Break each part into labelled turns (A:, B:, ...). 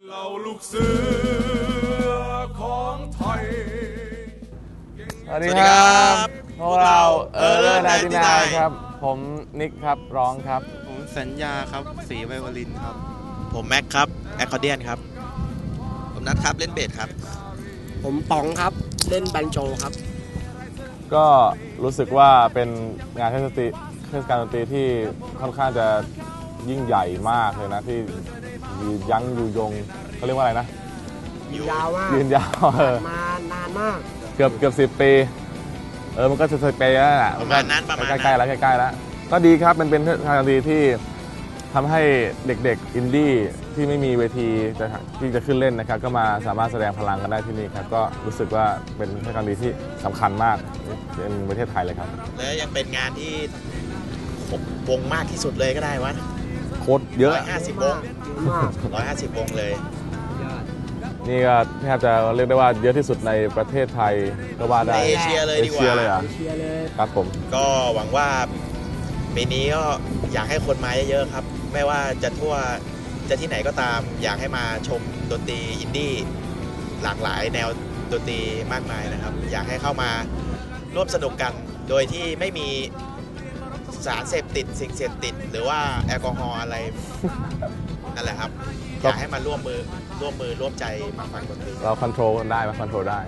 A: เราลูกเสือของไทย
B: สวัสดีครับพวกเรา99ครับผมนิกครับร้องครับ
C: ผมสัญญาครับสีไวโอลินครับ
D: ผมแม็กครับแอคคอร์เดียนครับผมนัทครับเล่นเบสครับ
E: ผมป๋องครับเล่นบันโจครับ
B: ก็รู้สึกว่าเป็นงานเทศกาลดนตรีที่ค่อนข้างจะยิ่งใหญ่มากเลยนะที่ยั้งอยู่ยงเขาเรียกว่าอะไรนะ
E: ยืนยาวมาก
B: ยืนยาว
E: มานานมาก
B: เกือบ10 ปีมันก็10 ปีแล้วแหละ
D: ประมาณนั้น
B: ใกล้ๆแล้วก็ดีครับมันเป็นเทศกาลดนตรีที่ทำให้เด็กๆอินดี้ที่ไม่มีเวทีที่จะขึ้นเล่นนะครับก็มาสามารถแสดงพลังกันได้ที่นี่ครับก็รู้สึกว่าเป็นเทศกาลดนตรีที่สำคัญมากในประเทศไทยเลยครับ
D: และยังเป็นงานที่วงมากที่สุดเลยก็ได้วะ
B: โคตรเยอะ
D: 150 วง150 วงเลย
B: นี่ก็แทบจะเรียกได้ว่าเยอะที่สุดในประเทศไทยก็ว่าได้
D: ในเอเชียเลยดีกว่า
B: เอเชียเลยครับผม
D: ก็หวังว่าปีนี้ก็อยากให้คนมาเยอะๆครับไม่ว่าจะที่ไหนก็ตามอยากให้มาชมดนตรีอินดี้หลากหลายแนวดนตรีมากมายนะครับอยากให้เข้ามาร่วมสนุกกันโดยที่ไม่มีสารเสพติดสิ่งเสพติดหรือว่าแอลกอฮอล์อะไรนั่นแหละครับอยากให้มาร่วมร่วมใจมาฟังดนตรี
B: เราคอนโทรลได้นะเราคอนโทรลได้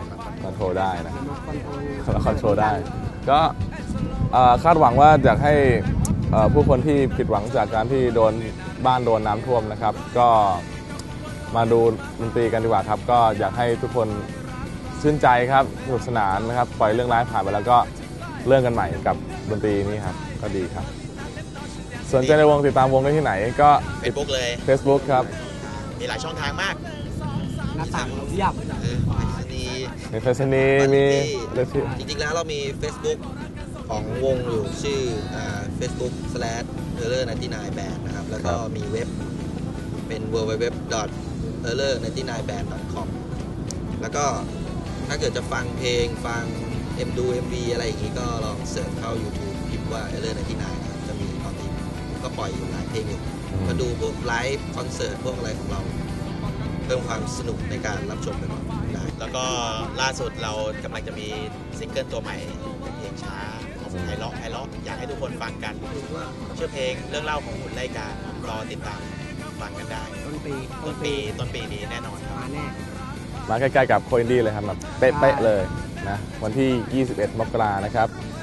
B: ก็คาดหวังว่าอยากให้ผู้คนที่ผิดหวังจากการที่โดนน้ำท่วมนะครับก็มาดูดนตรีกันดีกว่าครับก็อยากให้ทุกคนชื่นใจครับสนุกสนานนะครับปล่อยเรื่องร้ายผ่านไปแล้วก็เรื่องกันใหม่กับดนตรีนี้ครับก็ดีครับสนใจในวงติดตามวงได้ที่ไหนก็
D: Facebook เลย
B: Facebook ครับ
D: มีหลายช่องทางมาก
E: หน้าต่างเราเรียบ
B: มีเฟซนีมี
D: จริงๆแล้วเรามี Facebook ของวงอยู่ชื่อfacebook/error99band นะครับแล้วก็มีเว็บเป็น www.error99band.com แล้วก็ถ้าเกิดจะฟังเพลงฟังดู MV อะไรอย่างนี้ก็ลองเสิร์ชเข้า YouTube พิมพ์ว่า error99 นะครับจะมีตอนนี้ก็ปล่อยอยู่หลายเพลงอยู่มาดูพวกไลฟ์คอนเสิร์ตพวกอะไรของเราเพิ่มความสนุกในการรับชมไปก่อนได้แล้วก็ล่าสุดเรากำลังจะมีซิงเกิลตัวใหม่เพลงช้าของไฮล็อกอยากให้ทุกคนฟังกันชื่อเพลงเรื่องเล่าของหุ่นไล่การอติดตามฟังกันได้ต้นปีนี้แน่นอน
E: มาแน่
B: มาใกล้ๆกับโคอินดี้เลยครับแบบเป๊ะๆเลยนะวันที่21 มกราคมนะครับ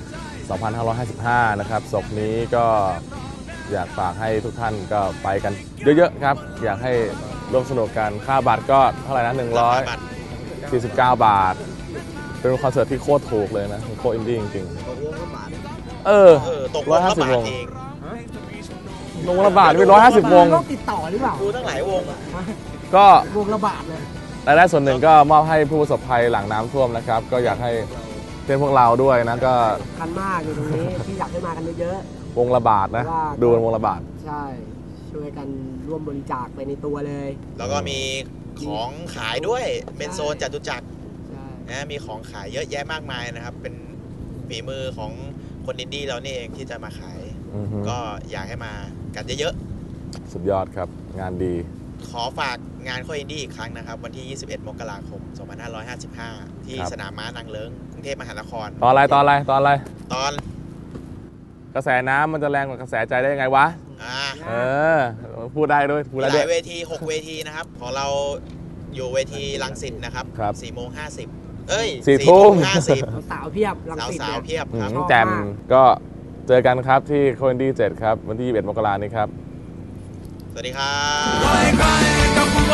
B: 2555นะครับศพนี้ก็อยากฝากให้ทุกท่านก็ไปกันเยอะๆครับอยากให้ร่วมสนุกกันค่าบัตรก็เท่าไหร่นะ149 บาทเป็นคอนเสิร์ตที่โคตรถูกเลยนะโคตรอินดี้จริงๆ
D: ตก150 วง
B: ลงละบาทไป150 วง
E: ติดต่อหรือเปล่า
D: ดูทั้งหลายวง
B: ก็
E: วงละบาทเลย
B: รายได้ส่วนหนึ่งก็มอบให้ผู้ประสบภัยหลังน้ำท่วมนะครับก็อยากให้เป็นพวกเราด้วยนะก็
E: คันมากอยู่ตรงนี้ที่อยากให้มากันเยอะ
B: ๆวงละบาทนะดูวงละบาท
E: ใช่ช่วยกันร่วมบริจาคไปในตัวเลย
D: แล้วก็มีของขายด้วยเป็นโซนจตุจักรนะมีของขายเยอะแยะมากมายนะครับเป็นฝีมือของคนอินดี้เรานี่เองที่จะมาขายก็อยากให้มากันเยอะ
B: ๆสุดยอดครับงานดี
D: ขอฝากงานโคอินดี้อีกครั้งนะครับวันที่21 มกราคม 2555ที่สนามม้านางเลิ้งกรุงเทพมหานคร
B: ตอนอะไรต
D: อน
B: กระแสน้ำมันจะแรงกว่ากระแสใจได้ยังไงวะพูดได้ด้วย
D: หลายเวที6 เวทีนะครับของเราอยู่เวทีรังสิตนะครับ4:50
B: 4 ทุ่ม
E: สาวเพียบรังสิต
D: สาวเพียบครับ
B: แจมก็เจอกันครับที่โคอินดี้7ครับวันที่21 มกราคมนี้ครับ
D: สวัสดีครับ